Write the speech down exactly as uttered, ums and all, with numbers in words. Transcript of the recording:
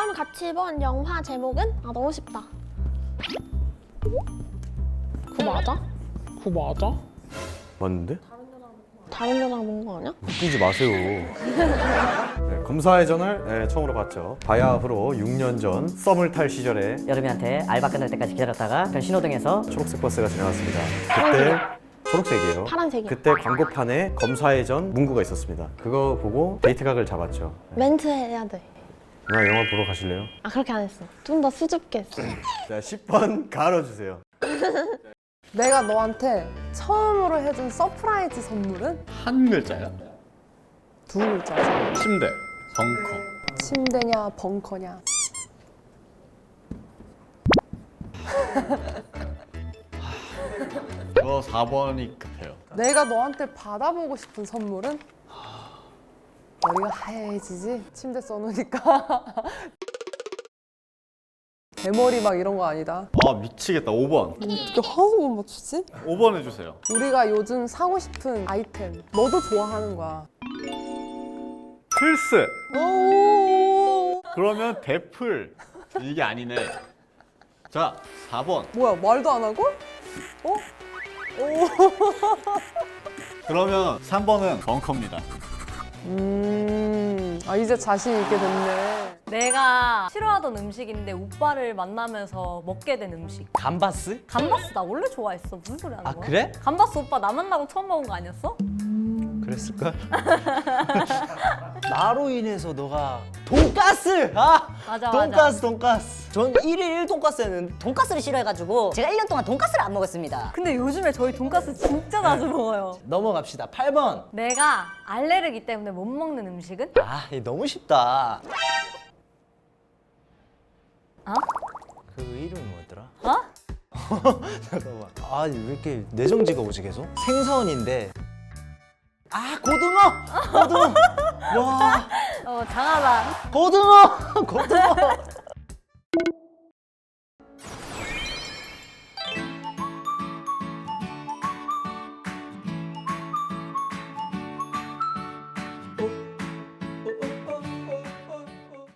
이번 같이 본 영화 제목은? 아 너무 쉽다. 그거 맞아? 그거 맞아? 맞는데? 다른 여자랑 본 거 아니야? 웃기지 마세요. 네, 검사의 전을 네, 처음으로 봤죠. 바야흐로 육 년 전 썸을 탈 시절에 여름이한테 알바 끝날 때까지 기다렸다가 그 신호등에서 초록색 버스가 지나갔습니다. 그때 초록색이에요. 파란색이야. 그때 광고판에 검사의 전 문구가 있었습니다. 그거 보고 데이트 각을 잡았죠. 멘트 해야 돼. 누나 영화 보러 가실래요? 아 그렇게 안 했어. 좀 더 수줍게 했어. 자, 십 번 갈아주세요. 내가 너한테 처음으로 해준 서프라이즈 선물은? 한 글자야? 두 글자지. 침대, 벙커. 침대냐 벙커냐. 저 사 번이 급해요. 내가 너한테 받아보고 싶은 선물은? 머리가 하얘지지? 침대 써놓으니까. 대머리 막 이런 거 아니다. 아 미치겠다. 오 번. 어떻게 하나도 못 맞추지? 오 번 해주세요. 우리가 요즘 사고 싶은 아이템 너도 좋아하는 거야. 플스. 오 그러면 대플. 이게 아니네. 자, 사 번. 뭐야 말도 안 하고? 어? 그러면 삼 번은 벙커입니다. 음, 아 이제 자신 있게 됐네. 내가 싫어하던 음식인데 오빠를 만나면서 먹게 된 음식. 감바스? 감바스 나 원래 좋아했어. 무슨 소리 하는 아, 거야? 그래? 감바스 오빠 나 만나고 처음 먹은 거 아니었어? 그랬을걸? 나로 인해서 너가 돈가스! 아! 맞아, 돈가스 돈가스! 전 일일 일 돈가스는 돈가스를 싫어해가지고 제가 일 년 동안 돈가스를 안 먹었습니다. 근데 요즘에 저희 돈가스 진짜 자주 먹어요. 넘어갑시다. 팔 번. 내가 알레르기 때문에 못 먹는 음식은? 아, 이거 너무 쉽다. 어? 그 이름이 뭐였더라? 어? 잠깐만. 아, 왜 이렇게 내정지가 오지 계속? 생선인데. 아, 고등어! 고등어! 와, 어, 장하다. 고등어! 고등어!